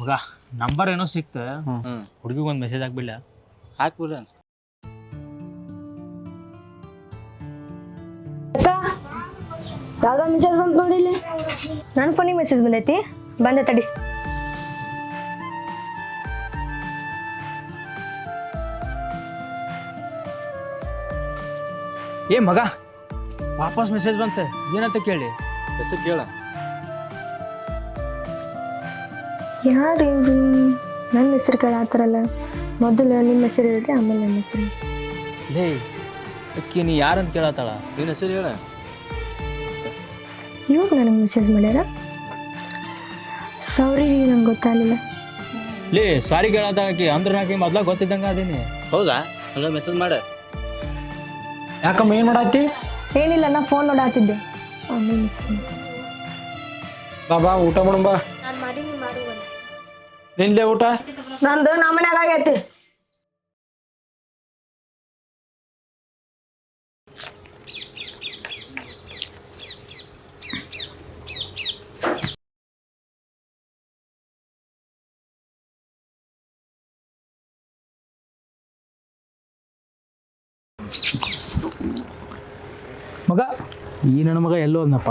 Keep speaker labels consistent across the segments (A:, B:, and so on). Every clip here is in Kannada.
A: ಮಗ ನಂಬರ್ ಏನೋ ಸಿಕ್ತ ಹುಡುಗಿಗೊಂದು ಮೆಸೇಜ್ ಹಾಕ್ಬಿಡ್ಲ
B: ಹಾಕ್ಬಿಡ.
C: ಯಾವ್ದೋ ಮೆಸೇಜ್ ಬಂತು ನೋಡಿ ಇಲ್ಲಿ.
D: ನನ್ನ ಫೋನಿಗೆ ಮೆಸೇಜ್ ಬಂದೈತಿ, ಬಂದೆ ತಡಿ.
A: ಏ ಮಗ ವಾಪಸ್ ಮೆಸೇಜ್ ಬಂತ, ಏನಂತ ಕೇಳಿ
B: ಹೆಸರು ಕೇಳ.
D: ಯಾರು ಇವ್ರು? ನನ್ನ ಹೆಸರು ಕೇಳತ್ತಾರಲ್ಲ. ಮೊದಲು ನಿಮ್ಮ ಹೆಸರು ಹೇಳ್ರಿ, ಆಮೇಲೆ ನನ್ನ ಹೆಸರು.
A: ಲೇ ಅಕ್ಕಿ ನೀ ಯಾರಂತ ಕೇಳತ್ತಾಳ?
B: ನಿನ್ನ ಹೆಸರು ಹೇಳ.
D: ಇವಾಗ ನನಗೆ ಮೆಸೇಜ್ ಮಾಡ್ಯಾರ. ಸಾರಿ ನಂಗೆ ಗೊತ್ತಾಗಲಿಲ್ಲ.
A: ಲೇ ಸಾರಿ ಕೇಳತ್ತಾಳ ಆಕಿ, ಅಂದ್ರೆ ನಾಕಿ ಮೊದ್ಲ ಗೊತ್ತಿದ್ದಂಗ ಅದೀನಿ.
B: ಹೌದಾ? ಹಂಗ ಮೆಸೇಜ್ ಮಾಡ.
A: ಯಾಕಮ್ಮ ಏನು ಮಾಡತ್ತಿ?
D: ಏನಿಲ್ಲ, ನಾ ಫೋನ್ ನೋಡಾತಿದ್ದೆ. ಆಮೇಲೆ ಮೆಸೇಜ್
A: ಬಾ ಊಟ ಮಾಡೋಣ. ನಿಂದೆ ಊಟ?
C: ನಂದು ನಮ್ಮ ಮನ್ಯಾಗ ಆಗೈತಿ.
A: ಮಗ ಈ ನನ್ನ ಮಗ ಎಲ್ಲೋ ಅಂದಪ್ಪ.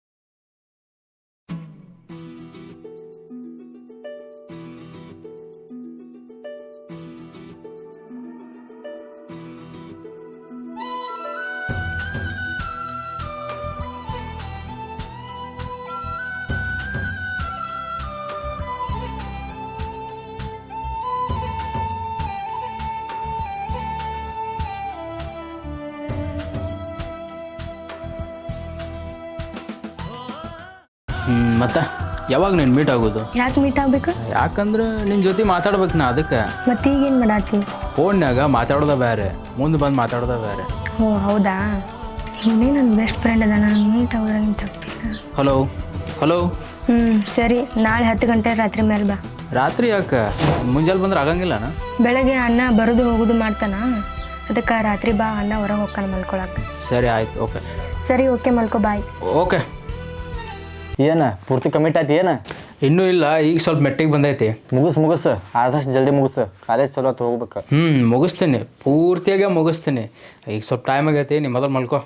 B: ಮತ್ತೆ ಯಾವಾಗ ನೀನು ಮೀಟ್ ಆಗೋದು?
D: ಯಾಕೆ ಮೀಟ್ ಆಗ್ಬೇಕು?
B: ಯಾಕಂದ್ರೆ ನಿನ್ನ ಜೊತೆ ಮಾತಾಡ್ಬೇಕು ನಾ, ಅದಕ್ಕೆ.
D: ಮತ್ತೆ ಈಗೇನು ಮಾಡಾತಿ?
B: ಫೋನ್ಯಾಗ ಮಾತಾಡೋದ ಬೇರೆ, ಮುಂದೆ ಬಂದು ಮಾತಾಡೋದ ಬೇರೆ.
D: ಓ ಹೌದಾ? ಇವನೇ ನನ್ನ ಬೆಸ್ಟ್ ಫ್ರೆಂಡ್ ಅದ, ನಾನು ಮೀಟ್ ಆಗೋದ್ರಾಗ ತಪ್ಪಿಲ್ಲ.
B: Hello hello.
D: ಸರಿ, ನಾಳೆ 10 ಗಂಟೆ ರಾತ್ರಿ ಮೇಲೆ ಬಾ.
B: ರಾತ್ರಿ ಯಾಕೆ? ಮುಂಜಾನೆ ಬಂದ್ರೆ ಆಗಂಗಿಲ್ಲನ?
D: ಬೆಳಗ್ಗೆ ಅಣ್ಣ ಬರೋದು ಹೋಗೋದು ಮಾಡ್ತಾನ, ಅದಕ್ಕೆ ರಾತ್ರಿ ಬಾ, ಅಣ್ಣ ಹೊರಗೆ ಹೋಗ್ತಾನೆ ಮಲ್ಕೊಳಕ್ಕೆ.
B: ಸರಿ ಆಯ್ತು, ಓಕೆ.
D: ಸರಿ, ಓಕೆ, ಮಲ್ಕೋ, ಬಾಯ್.
B: ಓಕೆ.
E: ಏನ ಪೂರ್ತಿ ಕಮಿಟ್ ಆಯ್ತು? ಏನು
B: ಇನ್ನೂ ಇಲ್ಲ, ಈಗ ಸ್ವಲ್ಪ ಮೆಟ್ಟಿಗೆ ಬಂದೈತಿ.
E: ಮುಗಿಸ್ ಆದಷ್ಟು ಜಲ್ದಿ ಮುಗಿಸ್, ಕಾಲೇಜ್ ಚಲೋ ಹೊತ್ತು ಹೋಗ್ಬೇಕು.
B: ಮುಗಿಸ್ತೀನಿ, ಪೂರ್ತಿಯಾಗೆ ಮುಗಿಸ್ತೀನಿ. ಈಗ ಸ್ವಲ್ಪ ಟೈಮ್ ಆಗೈತಿ, ನೀ ಮೊದಲು ಮಲ್ಕೋ.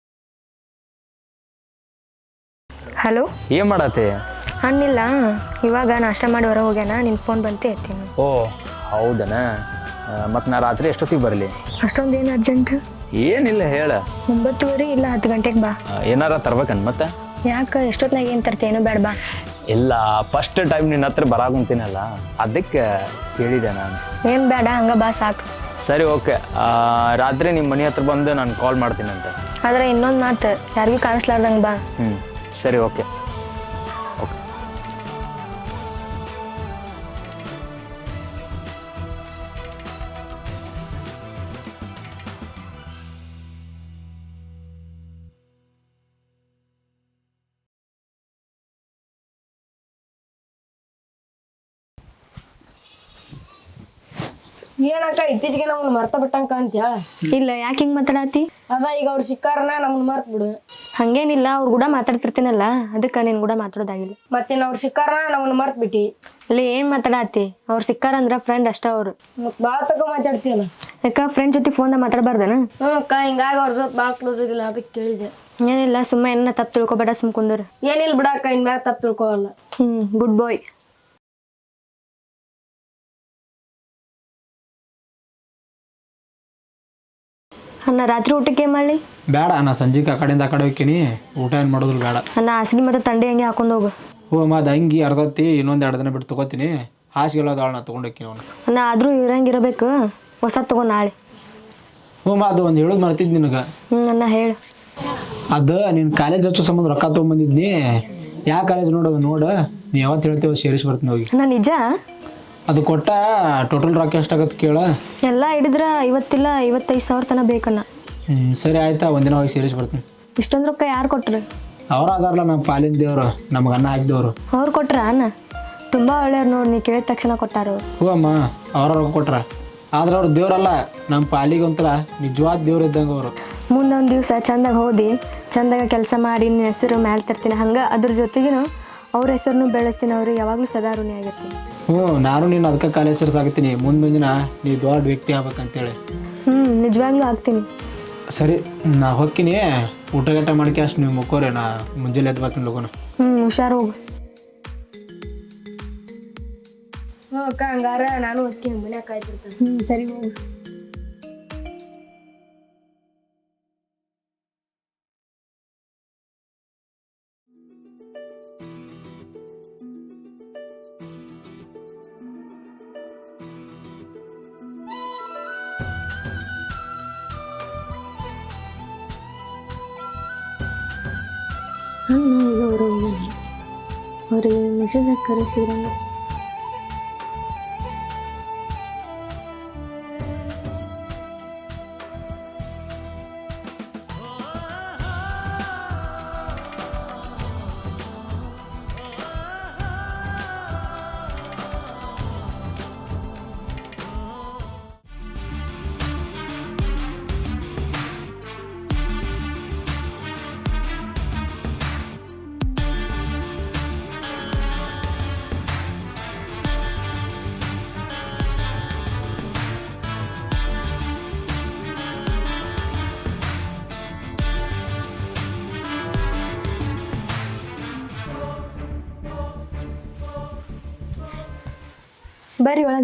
D: ಹಲೋ,
E: ಏನು ಮಾಡತ್ತೆ?
D: ಅಣ್ಣಿಲ್ಲ, ಇವಾಗ ನಾಷ್ಟ ಮಾಡಿ ಹೊರಗೆ ಹೋಗ್ಯಾನ, ನಿನ್ನ ಫೋನ್ ಬಂತೆ ಎತ್ತೀನಿ.
E: ಓ ಹೌದನ? ಮತ್ತು ನಾ ರಾತ್ರಿ ಎಷ್ಟೊತ್ತಿಗೆ ಬರಲಿ?
D: ಅಷ್ಟೊಂದೇನು ಅರ್ಜೆಂಟ್
E: ಏನಿಲ್ಲ, ಹೇಳ.
D: 9:30 ಇಲ್ಲ 10 ಗಂಟೆಗೆ ಬಾ.
E: ಏನಾರ ತರ್ಬೇಕನ್ ಮತ್ತೆ?
D: ಯಾಕೆ ಎಷ್ಟೊತ್ತಿನಾಗ ಏನು ತರ್ತೇನೋ ಬೇಡ ಬಾ.
E: ಇಲ್ಲ, ಫಸ್ಟ್ ಟೈಮ್ ನಿನ್ನ ಹತ್ರ ಬರಾಕುಂತೀನಲ್ಲ, ಅದಕ್ಕೆ ಕೇಳಿದೆ ನಾನು.
D: ಏನು ಬೇಡ, ಹಂಗೆ ಬಾ ಸಾಕು.
E: ಸರಿ, ಓಕೆ. ರಾತ್ರಿ ನಿಮ್ಮ ಮನೆ ಹತ್ರ ಬಂದು ನಾನು ಕಾಲ್ ಮಾಡ್ತೀನಂತೆ.
D: ಆದರೆ ಇನ್ನೊಂದು ಮಾತು, ಯಾರಿಗೂ ಕಾಣಿಸ್ಲಾರ್ದಂಗೆ ಬಾ.
E: ಸರಿ, ಓಕೆ.
C: ಏನಕ್ಕ ಇತ್ತೀಚೆಗೆ ನಮ್ಮನ್ನ ಮರ್ತ ಬಿಟ್ಟಂಕ ಅಂತ ಹೇಳ.
D: ಇಲ್ಲ, ಯಾಕೆ ಹಿಂಗೆ ಮಾತಾಡತ್ತಿ?
C: ಅದ ಈಗ ಅವ್ರು ಸಿಕ್ಕಾರನ ನಮ್ಮನ್ನ ಮರ್ತ್ ಬಿಡು.
D: ಹಂಗೇನಿಲ್ಲ, ಅವ್ರು ಕೂಡ ಮಾತಾಡ್ತಿರ್ತೀನಲ್ಲ, ಅದಕ್ಕೆ ನಿನ್ನ ಕೂಡ ಮಾತಾಡೋದಾಗಿಲ್ಲ.
C: ಮತ್ತೇನು ಅವ್ರು ಸಿಕ್ಕಾರನ ನಮ್ಮನ್ನ ಮರ್ತ್ ಬಿಟ್ಟಿ?
D: ಅಲ್ಲಿ ಏನು ಮಾತಾಡತ್ತಿ? ಅವ್ರು ಸಿಕ್ಕಾರಂದ್ರೆ ಫ್ರೆಂಡ್ ಅಷ್ಟ ಅವರು.
C: ಮತ್ತೆ ಭಾಳ ತಕ ಮಾತಾಡ್ತೀಯಲ್ಲ.
D: ಯಾಕೆ ಫ್ರೆಂಡ್ ಜೊತೆ ಫೋನ್ದಾಗ ಮಾತಾಡಬಾರ್ದನ?
C: ಅಕ್ಕ ಹಿಂಗಾಗಿ ಅವ್ರ ಜೊತೆ ಭಾಳ ಕ್ಲೋಸ್ ಇದಿಲ್ಲ, ಅದಕ್ಕೆ ಕೇಳಿದೆ.
D: ಏನಿಲ್ಲ, ಸುಮ್ಮನೆ ಏನ ತಪ್ಪು ತಿಳ್ಕೊಬೇಡ, ಸುಮ್ ಕುಂದ್ರು.
C: ಏನಿಲ್ಲ ಬಿಡಕ್ಕ, ಇನ್ ಮ್ಯಾಲ ತಪ್ಪು ತಿಳ್ಕೊಳಲ್ಲ.
D: ಗುಡ್ ಬಾಯ್. ಅಣ್ಣ ರಾತ್ರಿ ಊಟಕ್ಕೆ ಏನು ಮಾಡಲಿ?
A: ಬೇಡ, ನಾ ಸಂಜೆಗೆ ಆ ಕಡೆಯಿಂದ ಆ ಕಡೆ ಹೋಗ್ತೀನಿ, ಊಟ ಏನು ಮಾಡೋದಿಲ್ಲ, ಬೇಡ.
D: ಅಣ್ಣ ಹಾಸಿಗೆ ಮತ್ತು ತಂಡಿ ಹಂಗೆ ಹಾಕೊಂಡು ಹೋಗು.
A: ಅಮ್ಮ ಅದು ಅಂಗಿ ಅರ್ಧತ್ತಿ ಇನ್ನೊಂದು 2 ದಿನ ಬಿಟ್ಟು ತೊಗೋತೀನಿ. ಹಾಸಿಗೆಲ್ಲ ನಾ ತೊಗೊಂಡೋಗ್ತೀನಿ ಅವನು.
D: ಅಣ್ಣ ಆದರೂ ಇರಂಗಿರಬೇಕು, ಹೊಸ ತಗೋ ನಾಳೆ.
A: ಅದು ಒಂದು ಹೇಳೋದು ಮರ್ತಿದ್ದು ನಿನಗೆ.
D: ಅಣ್ಣ ಹೇಳು.
A: ಅದು ನೀನು ಕಾಲೇಜ್ ಹಚ್ಚೋ ಸಂಬಂಧ ರೊಕ್ಕ ತೊಗೊಂಬಂದಿದ್ನಿ. ಯಾವ ಕಾಲೇಜ್ ನೋಡು ನೀ ಯಾವತ್ತು ಹೇಳ್ತೇವೆ ಸೇರಿಸಿ ಬರ್ತೀನಿ ಹೋಗಿ.
D: ಅಣ್ಣ ನಿಜ?
A: ಅದು ಕೊಟ್ಟ ಟೋಟಲ್ ರೊಕ್ಕ ಎಷ್ಟಾಗತ್ತೆ ಕೇಳ.
D: ಎಲ್ಲ ಹಿಡಿದ್ರೆ 55,000 ತನಕ ಬೇಕಣ್ಣ.
A: ಸರಿ ಆಯ್ತಾ, ಒಂದಿನ ಹೋಗಿ ಸೇರಿಸಿ ಬರ್ತೀನಿ.
D: ಇಷ್ಟೊಂದು ರೊಕ್ಕ ಯಾರು ಕೊಟ್ರು?
A: ಅವ್ರು ಅದಾರಲ್ಲ ನಮ್ಮ ಪಾಲಿನ ದೇವ್ರು, ನಮ್ಗೆ ಅನ್ನ ಹಾಕಿದವರು.
D: ಅವ್ರು ಕೊಟ್ರ ಅಣ್ಣ? ತುಂಬ ಒಳ್ಳೆಯವ್ರು ನೋಡಿ, ನೀ ಕೇಳಿದ ತಕ್ಷಣ ಕೊಟ್ಟಾರ ಅವ್ರು.
A: ಹ್ಞೂ ಅಮ್ಮ, ಅವ್ರ ರೊಕ್ಕ ಕೊಟ್ರ. ಆದ್ರೆ ಅವ್ರು ದೇವ್ರಲ್ಲ, ನಮ್ಮ ಪಾಲಿಗೆ ಒಂಥರ ನಿಜವಾದ ದೇವ್ರು ಇದ್ದಂಗೆ ಅವರು.
D: ಮುಂದೊಂದು ದಿವಸ ಚಂದಾಗ ಓದಿ ಚಂದಾಗ ಕೆಲಸ ಮಾಡಿ ನಿನ್ನ ಹೆಸರು ಮ್ಯಾಲೆ ತರ್ತೀನಿ, ಹಂಗೆ ಅದ್ರ ಜೊತೆಗೂ ಅವ್ರ ಹೆಸರನ್ನು ಬೆಳೆಸ್ತೀನಿ, ಅವ್ರಿಗೆ ಯಾವಾಗಲೂ ಸದಾ ಋಣಿ ಆಗಿರ್ತೀನಿ.
A: ನಾನು ನೀನು ಅದಕ್ಕೆ ಕಾಲೇಜ್ ಸೇರ್ಸಾಕತ್ತೀನಿ. ಮುಂದೊಂದು ದಿನ ನೀ ದೊಡ್ಡ ವ್ಯಕ್ತಿ ಆಗ್ಬೇಕಂತೇಳಿ.
D: ನಿಜವಾಗ್ಲೂ ಆಗ್ತೀನಿ.
A: ಸರಿ, ನಾ ಹೊಕ್ಕಿನಿ. ಊಟ ಗಟ್ಟ ಮಾಡ್ಕೆ ಅಷ್ಟು ನೀವು ಮುಕ್ಕೋರಿ. ನಾ ಮುಂಜಾನೆ ಎದ್ದು ಬರ್ತೀನಿ ಲಗೋನ.
D: ಹುಷಾರು ಹೋಗು.
C: ಅಕ್ಕ ಹಂಗಾರ ನಾನು ಹೋಗ್ತೀನಿ, ಮನ್ಯಾಗ ಕಾಯ್ತಿರ್ತೇನೆ.
D: ಸರಿ ಹೋಗು. ಈಗ ಅವ್ರಿಗೆ ಮೆಸೇಜ್ ಹಾಕಿ ಕರೆಸಿದ್ರಂಗ. ಬರ್ರಿ ಒಳಗೆ.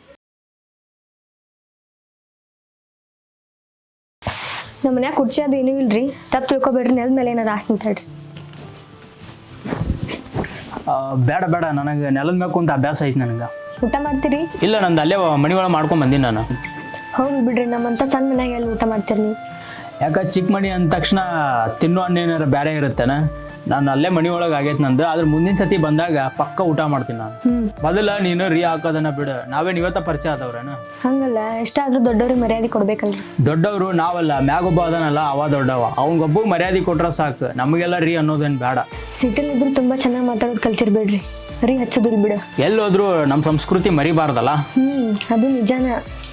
D: ನಮ್ಮ ಮನ್ಯಾಗ ಕುರ್ಚಿ ಅದು ಏನೂ ಇಲ್ರಿ, ತಪ್ಪು ತಿಳ್ಕೊಬೇಡ್ರಿ. ನೆಲದ ಮೇಲೆ ಏನಾರು ಆಸ್ತಿ ನಿಂತಾಡ್ರಿ.
B: ಬೇಡ ಬೇಡ, ನನಗೆ ನೆಲದ ಮ್ಯಾಗ ಕುಂತ ಅಭ್ಯಾಸ ಐತಿ ನನಗೆ.
D: ಊಟ ಮಾಡ್ತೀರಿ?
B: ಇಲ್ಲ, ನಂದು ಅಲ್ಲೇ ಮನೆ ಒಳಗೆ ಮಾಡ್ಕೊಂಡು ಬಂದೀನಿ ನಾನು.
D: ಹೌದು ಬಿಡ್ರಿ, ನಮ್ಮಂತ ಸಣ್ಣ ಮನ್ಯಾಗ ಎಲ್ಲಿ ಊಟ ಮಾಡ್ತೀರಿ ನೀವು?
B: ಯಾಕೆ ಚಿಕ್ಕ ಮನೆ ಅಂದ ತಕ್ಷಣ ತಿನ್ನೋ ಹಣ್ಣು ಏನಾರು ಬೇರೆ ಇರುತ್ತೇನ? ನಾನು ಅಲ್ಲೇ ಮನೆ ಒಳಗೆ ಆಗೈತೆ ನಂದು. ಆದ್ರೆ ಮುಂದಿನ ಸತಿ ಬಂದಾಗ ಪಕ್ಕ ಊಟ ಮಾಡ್ತೀನಿ ನಾನು. ಮೊದಲ ನೀನು ರೀ ಹಾಕೋದನ್ನ ಬಿಡು, ನಾವೇನು ಇವತ್ತ ಪರಿಚಯ ಆದವ್ರೇನ?
D: ಹಂಗಲ್ಲ, ಎಷ್ಟಾದ್ರೂ ದೊಡ್ಡವ್ರಿಗೆ ಮರ್ಯಾದೆ ಕೊಡ್ಬೇಕಲ್ರಿ.
B: ದೊಡ್ಡವರು ನಾವಲ್ಲ, ಮ್ಯಾಗೊಬ್ಬ ಅದನಲ್ಲ ಅವ ದೊಡ್ಡವ. ಅವ್ನಿಗೊಬ್ಬ ಮರ್ಯಾದೆ ಕೊಟ್ರೆ ಸಾಕು, ನಮಗೆಲ್ಲ ರೀ ಅನ್ನೋದೇನು ಬೇಡ.
D: ಸಿಟಿಲಿ ಇದ್ರು ತುಂಬಾ ಚೆನ್ನಾಗಿ ಮಾತಾಡೋದು ಕಲ್ತಿರ್ಬೇಡ್ರಿ, ರೀ ಹಚ್ಚೋದಿಲ್ ಬಿಡು.
B: ಎಲ್ಲೋದ್ರು ನಮ್ಮ ಸಂಸ್ಕೃತಿ ಮರಿಬಾರ್ದಲ್ಲ.
D: ಅದು ನಿಜಾನ.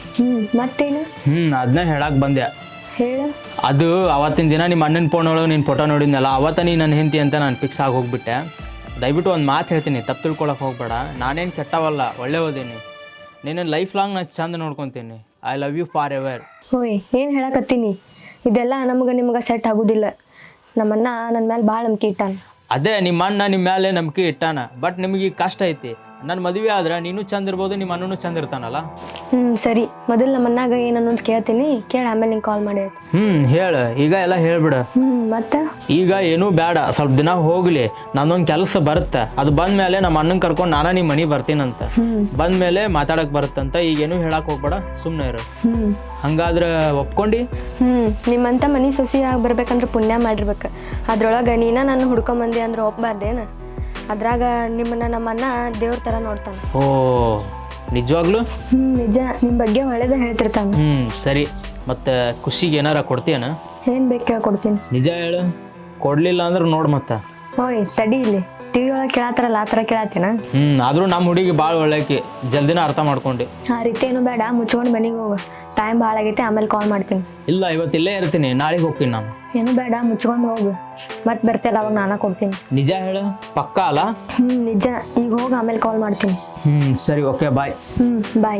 D: ಮತ್ತೇನು?
B: ಅದನ್ನ ಹೇಳಕ್ ಬಂದೆ.
D: ಹೇಳ.
B: ಅದು ಅವತ್ತಿನ ದಿನ ನಿಮ್ಮ ಅಣ್ಣನ ಫೋನ್ ಒಳಗೆ ನೀನು ಫೋಟೋ ನೋಡಿದ್ನಲ್ಲ, ಅವತ್ತ ನೀ ನನ್ನ ಹೆಂಡತಿ ಅಂತ ನಾನು ಫಿಕ್ಸ್ ಆಗಿ ಹೋಗ್ಬಿಟ್ಟೆ. ದಯವಿಟ್ಟು ಒಂದು ಮಾತು ಹೇಳ್ತೀನಿ, ತಪ್ಪು ತಿಳ್ಕೊಳಕ್ಕೆ ಹೋಗ್ಬೇಡ. ನಾನೇನು ಕೆಟ್ಟವಲ್ಲ, ಒಳ್ಳೆ ಓದೀನಿ. ನೀನು ಲೈಫ್ ಲಾಂಗ್ ನಾನು ಚಂದ ನೋಡ್ಕೊತೀನಿ. I love you forever.
D: ಓಯ್, ಏನು ಹೇಳಕತ್ತೀನಿ? ಇದೆಲ್ಲ ನಿಮ್ಗೆ ಸೆಟ್ ಆಗೋದಿಲ್ಲ. ನಮ್ಮನ್ನ ನನ್ನ ಮೇಲೆ ಭಾಳ ನಂಬಿಕೆ ಇಟ್ಟಾನ.
B: ಅದೇ ನಿಮ್ಮ ಅಣ್ಣ ನಿಮ್ಮ ಮೇಲೆ ನಂಬಿಕೆ ಇಟ್ಟಾನ, ಬಟ್ ನಿಮಗೆ ಕಷ್ಟ ಐತಿ. ನನ್ನ ಮದುವೆ ಆದ್ರೆ ನೀನು ಚಂದ ಇರ್ಬೋದು, ನಿಮ್ಮ ಅಣ್ಣನೂ ಚಂದ ಇರ್ತಾನಲ್ಲ.
D: ಸರಿ, ಮೊದಲು ನಮ್ಮ ಅಣ್ಣಾಗ ಏನನ್ನೋದು ಕೇಳ್ತೀನಿ, ಕೇಳಿ ಆಮೇಲೆ ನಿಂಗೆ ಕಾಲ್ ಮಾಡಿ.
B: ಹೇಳು, ಈಗ ಎಲ್ಲ ಹೇಳ್ಬಿಡು.
D: ಮತ್ತೆ
B: ಈಗ ಏನೂ ಬೇಡ, ಸ್ವಲ್ಪ ದಿನ ಹೋಗ್ಲಿ. ನಂದೊಂದು ಕೆಲಸ ಬರುತ್ತೆ, ಅದು ಬಂದ್ಮೇಲೆ ನಮ್ಮ ಅಣ್ಣನ ಕರ್ಕೊಂಡು ನಾನು ನಿಮ್ಮ ಮನೆ ಬರ್ತೀನಂತ. ಬಂದ್ಮೇಲೆ ಮಾತಾಡಕ್ ಬರುತ್ತಂತ. ಈಗೇನು ಹೇಳಕ್ ಹೋಗ್ಬೇಡ, ಸುಮ್ಮನೆ ಇರು. ಹಂಗಾದ್ರೆ ಒಪ್ಕೊಂಡಿ?
D: ನಿಮ್ಮಂತ ಮನೆ ಸೊಸಿ ಆಗಿ ಬರ್ಬೇಕಂದ್ರೆ ಪುಣ್ಯ ಮಾಡಿರ್ಬೇಕು. ಅದ್ರೊಳಗೆ ನೀನ ನನ್ನ ಹುಡ್ಕೊಂಬಂದಿ ಅಂದ್ರೆ ಒಪ್ಪಬಾರ್ದೇನು? ಅದ್ರಾಗ ನಿಮ್ಮನ್ನ ನಮ್ಮ ಅಣ್ಣ ದೇವ್ರ ಥರ ನೋಡ್ತಾನೆ.
B: ಓ, ನಿಜವಾಗ್ಲು?
D: ನಿಜ, ನಿಮ್ಮ ಬಗ್ಗೆ ಒಳ್ಳೇದ ಹೇಳ್ತಿರ್ತಾನೆ.
B: ಸರಿ, ಮತ್ತೆ ಖುಷಿಗೆ ಏನಾರ ಕೊಡ್ತೀಯನ?
D: ಏನು ಬೇಕು ಕೇಳ್ಕೊಡ್ತೀನಿ.
B: ನಿಜ ಹೇಳು, ಕೊಡ್ಲಿಲ್ಲ ಅಂದ್ರೆ ನೋಡು ಮತ್ತೆ.
D: ಓಯ್ ತಡಿ, ಇಲ್ಲಿ ಟಿವಿ ಒಳಗೆ ಕೇಳತ್ತಾರಲ್ಲ ಆ ಥರ ಕೇಳತ್ತೀನ?
B: ಆದ್ರೂ ನಮ್ಮ ಹುಡುಗಿ ಭಾಳ ಒಳ್ಳೆಕಿ, ಜಲ್ದಿನ ಅರ್ಥ ಮಾಡ್ಕೊಂಡು.
D: ಆ ರೀತಿ ಏನು ಬೇಡ, ಮುಚ್ಕೊಂಡು ಮನೆಗೆ ಹೋಗು. ಟೈಮ್ ಭಾಳ ಆಗೈತೆ, ಆಮೇಲೆ ಕಾಲ್ ಮಾಡ್ತೀನಿ.
B: ಇಲ್ಲ, ಇವತ್ತಿಲ್ಲೇ ಇರ್ತೀನಿ, ನಾಳೆಗೆ ಹೋಗ್ತೀನಿ ನಾನು.
D: ಏನು ಬೇಡ, ಮುಚ್ಕೊಂಡು ಹೋಗು. ಮತ್ತೆ ಬರ್ತಿಲ್ಲ, ಅವಾಗ ನಾನು ಕೊಡ್ತೀನಿ.
B: ನಿಜ ಹೇಳು, ಪಕ್ಕ ಅಲ್ಲ?
D: ನಿಜ. ಈಗ ಹೋಗಿ ಆಮೇಲೆ ಕಾಲ್ ಮಾಡ್ತೀನಿ.
B: ಸರಿ, ಓಕೆ, ಬಾಯ್.
D: ಬಾಯ್.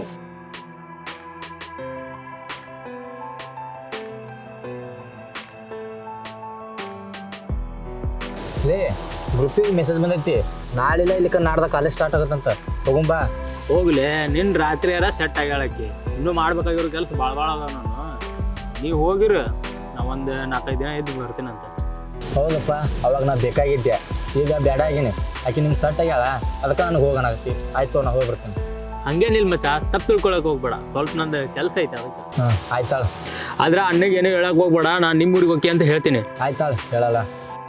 E: ಲೇ, ಗ್ರೂಪಿಗೆ ಮೆಸೇಜ್ ಬಂದೈತಿ, ನಾಳಿಲ್ಲ ಇಲ್ಲಿಕ ನಾಡ್ದ ಕಾಲೇಜ್ ಸ್ಟಾರ್ಟ್ ಆಗತ್ತಂತ. ಹೋಗುಂಬಾ.
B: ಹೋಗ್ಲಿ, ನಿನ್ನ ರಾತ್ರಿ ಯಾರ ಸೆಟ್ ಆಗ್ಯಾಳಕ್ಕಿ. ಇನ್ನೂ ಮಾಡ್ಬೇಕಾಗಿರೋ ಕೆಲಸ ಭಾಳ ಅದ ನಾನು. ನೀವು ಹೋಗಿರು, ನಾ ಒಂದು 4-5 ದಿನ ಇದ್ದು ಬರ್ತೀನಂತ.
E: ಹೌದಪ್ಪ, ಅವಾಗ ನಾ ಬೇಕಾಗಿದ್ದೆ, ಈಗ ಬೇಡ ಆಗೀನಿ. ಆಕೆ ನಿಮ್ಗೆ ಸೆಟ್ ಆಗ್ಯಾಳ, ಅದಕ್ಕೆ ನನಗೆ ಹೋಗೋಣಾಗತ್ತಿ. ಆಯ್ತು, ನಾ ಹೋಗಿ ಬರ್ತೀನಿ.
B: ಹಂಗೇನಿಲ್ಲ ಮಚ್ಚ, ತಪ್ಪು ತಿಳ್ಕೊಳಕ್ಕೆ ಹೋಗ್ಬೇಡ. ಸ್ವಲ್ಪ ನಂದು ಕೆಲಸ ಐತೆ ಅದಕ್ಕೆ.
E: ಆಯ್ತಾಳ.
B: ಆದ್ರೆ ಅಣ್ಣಗೆ ಏನೂ ಹೇಳಕ್ಕೆ ಹೋಗ್ಬೇಡ, ನಾನು ನಿಮ್ಮ ಊರಿಗೆ ಹೋಗಿ ಅಂತ ಹೇಳ್ತೀನಿ.
E: ಆಯ್ತಾಳ, ಹೇಳಲ್ಲ.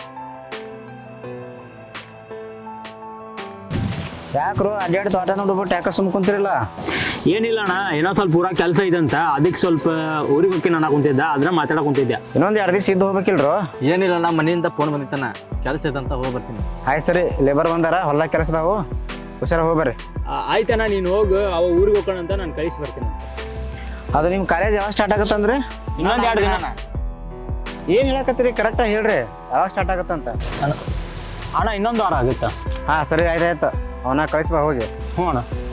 E: ಯಾಕ್ರು ಅಡ್ಡಾಡಿ ತೋಟ ನೋಡ್ಬಿಟ್ಟು ಯಾಕೆ ಸುಮ್ಮ ಕುಂತಿರಲ್ಲ?
B: ಏನಿಲ್ಲ ಅಣ್ಣ, ಏನೋ ಸ್ವಲ್ಪ ಊರಾಗ ಕೆಲಸ ಐತಂತ, ಅದಕ್ಕೆ ಸ್ವಲ್ಪ ಊರಿಗೆ ಹೋಗಿ ನಾನು ಕುಂತಿದ್ದೆ, ಅದ್ರ ಮಾತಾಡಕ್ ಕುಂತಿದ್ದೆ.
E: ಇನ್ನೊಂದು 2 ದಿವಸ ಇದ್ದು ಹೋಗ್ಬೇಕಿಲ್ರು?
F: ಏನಿಲ್ಲ, ನಮ್ಮ ಮನೆಯಿಂದ ಫೋನ್ ಬಂದಿತ್ತಾನ, ಕೆಲಸ ಐತಂತ ಹೋಗಿ ಬರ್ತೀನಿ.
E: ಆಯ್ತು ಸರಿ, ಲೇಬರ್ ಬಂದಾರ, ಹೊಲ ಕೆಲಸದಾವು, ಹುಷಾರ ಹೋಗ್ಬರ್ರಿ.
B: ಆಯ್ತಣ್ಣ, ನೀನು ಹೋಗು, ಅವ ಊರಿಗೆ ಹೋಗೋಣ ಅಂತ ನಾನು ಕಳಿಸಿ ಬರ್ತೀನಿ.
E: ಅದು ನಿಮ್ಮ ಕಾಲೇಜ್ ಯಾವಾಗ ಸ್ಟಾರ್ಟ್ ಆಗತ್ತಂದ್ರೆ?
B: ಇನ್ನೊಂದು 2 ದಿನ.
E: ಏನು ಹೇಳಕತ್ತೀರಿ, ಕರೆಕ್ಟಾಗಿ ಹೇಳ್ರಿ, ಯಾವಾಗ ಸ್ಟಾರ್ಟ್ ಆಗತ್ತಂತ?
B: ಅಣ್ಣ, ಇನ್ನೊಂದು ವಾರ ಆಗುತ್ತಾ?
E: ಹಾಂ ಸರಿ, ಆಯ್ತಾಯ್ತು. ಅವನ ಕಳಿಸ್ಬಾ ಹೋಗಿ.
B: ಹ್ಞೂ ಅಣ್ಣ.